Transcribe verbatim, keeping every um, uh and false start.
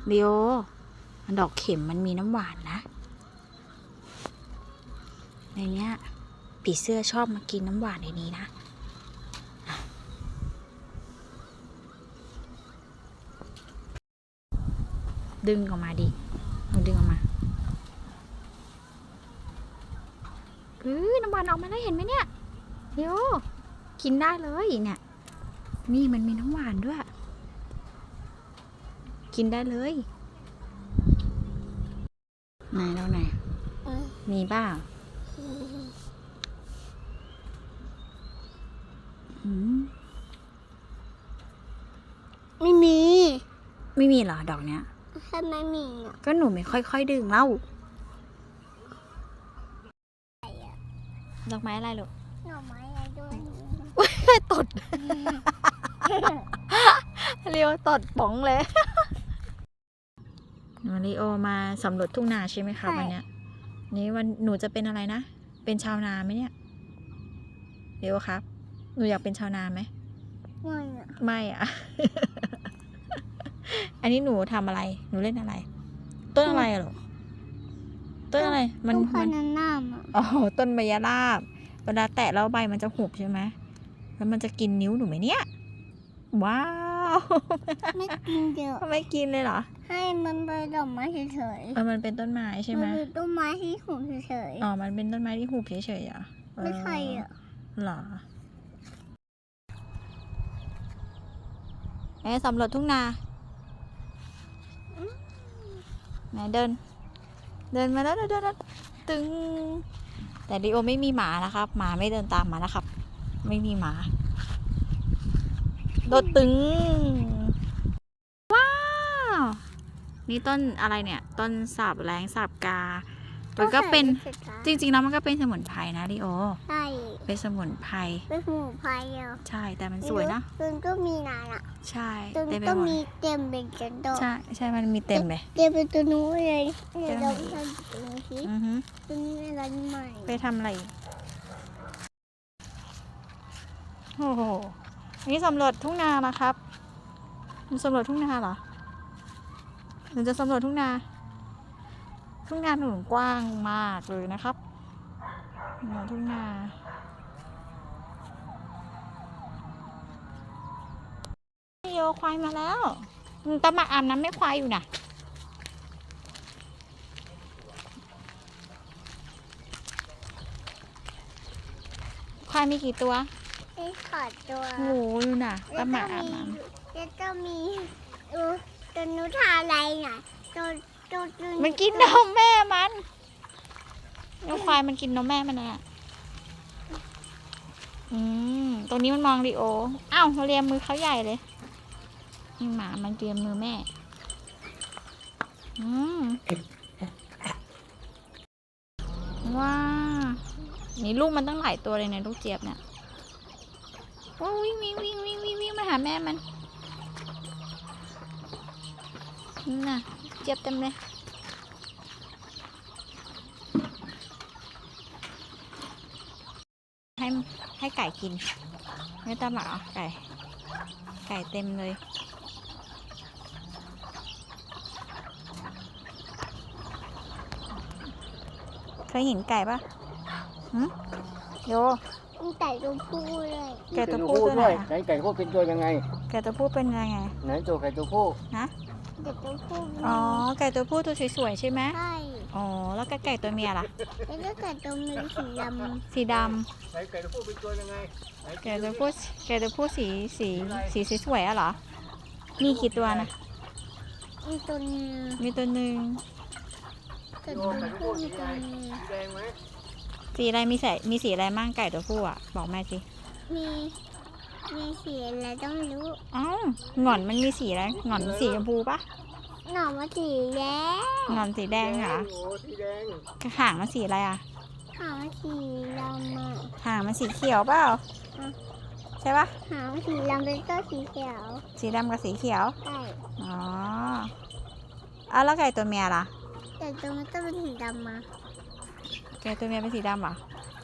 เดียวดอกเข็มมันมีน้ำหวานนะในเนี้ยผีเสื้อชอบมากินน้ำหวานในนี้นะดึงออกมาดิหนูดึงออกมาเฮ้ยน้ำหวานออกมาแล้วเห็นไหมเนี่ยเดี๋ยวกินได้เลยเนี่ยนี่มันมีน้ำหวานด้วยกินได้เลยไหนแล้วไหนมีบ้างไม่มีไม่มีเหรอดอกเนี้ยทำไมมีอ่ะก็หนูไม่ค่อยๆดึงเล่าดอกไม้อะไรลูกดอกไม้อะไรด้วยตดเรียวตดป๋องเลยวันนี้โอมาสำรวจทุ่งนาใช่ไหมคะวันเนี้ยนี้วันหนูจะเป็นอะไรนะเป็นชาวนาไหมเนี่ยเรียวครับหนูอยากเป็นชาวนาไหมไม่อะไม่อะ อันนี้หนูทำอะไรหนูเล่นอะไรต้นอะไรหรอต้นอะไรมันมันน้ำอ่ะอ๋อต้นใบยะลาบเวลาแตะแล้วใบมันจะหุบใช่ไหมแล้วมันจะกินนิ้วหนูไหมเนี่ยว้าวไม่กินเดี๋ยวไม่กินเลยเหรอให้มันเป็นดอกไม้เฉยๆเออมันเป็นต้นไม้ใช่ไหมมันเป็นต้นไม้ที่หุบเฉยอ๋อมันเป็นต้นไม้ที่หุบเฉยๆอ่ะไม่ใช่อ่ะหรอไหนสำรวจทุ่งนาไหนเดินเดินมาแล้วเดินเดินตึงแต่ดิโอไม่มีหมานะครับหมาไม่เดินตามมานะครับไม่มีหมาโดดตึงว้าวนี่ต้นอะไรเนี่ยต้นสาบแรงสาบกามันก็เป็นจริงๆแล้วมันก็เป็นสมุนไพรนะดิโอใช่เป็นสมุนไพรเป็นสมุนไพรอ่ะใช่แต่มันสวยนะต้นก็มีนานอ่ะใช่ต้นก็มีเต็มเป็นกระดอกใช่ใช่มันมีเต็มเลยเต็มเป็นตัวนู้นเลยเนี่ยเราทำตัวนี้สิตัวนี้อะไรใหม่ไปทำอะไรโอ้โหนี่สำรวจทุ่งนานะครับมันสำรวจทุ่งนาเหรอหนูจะสำรวจทุ่งนาทุ่งนาหนุนกว้างมากเลยนะครับทุ่งนาโยควายมาแล้วตะมาอาบน้ำไม่ควายอยู่นะควายมีกี่ตัวมีขอดตัวโอ้โหดูน่ะตะมาอาบน้ำแล้วก็มีดูตัวนู้นทาอะไรน่ะตัวตัวตัวมันกินนมแม่มันนกควายมันกินนมแม่มันอ่ะอืมตรงนี้มันมองดิโออ้าวเลียมือเขาใหญ่เลยนี่หมามันเลียมือแม่อืมว้านี่ลูกมันตั้งหลายตัวเลยเนี่ยลูกเจี๊ยบเนี่ยว้าวิ่งวิ่งวิ่งวิ่งวิ่งวิ่งมาหาแม่มันนี่น่ะเจี๊ยบเต็มเลยให้ให้ไก่กินไม่ต้องหมาไก่ไก่เต็มเลยเคยเห็นไก่ปะหืมโยมีไก่ตัวผู้เลยไก่ตัวผู้ด้วยไหนไก่ตัวผู้เป็นตัวยังไงไก่ตัวผู้เป็นยังไงไหนตัวไก่ตัวผู้นะไก่ตัวผู้อ๋อไก่ตัวผู้ตัวสวยๆใช่ไหมใช่อ๋อแล้วก็ไก่ตัวเมียล่ะแล้วก็ไก่ตัวเมียสีดำสีดไหนไก่ตัวผู้เป็นตัวยังไงไก่ตัวผู้ไก่ตัวผู้สีสีสีสวยๆอะเหรอมีกี่ตัวนะมีตัวนึงมีตัวหนึ่งไก่ตัวผู้มีตัวนึงสีแดงไหมสีอะไรมีสีมีสีอะไรมั่งไก่ตัวผู้อ่ะบอกแม่สิมีมีสีอะไรต้องรู้อ้าวหงอนมันมีสีอะไรหงอนสีชมพูปะหน่อมาสีแดงหงอนสีแดงเหรอโอ้สีแดงหางมันสีอะไรอ่ะหางมันสีดำอ่ะหางมันสีเขียวเปล่าใช่ปะหางสีดำเป็นตัวสีเขียวสีดำกับสีเขียวใช่อ๋อเอาแล้วไก่ตัวเมียล่ะไก่ตัวมันต้องเป็นสีดำมาไก่ตัวเมียเป็นสีดำเหรอ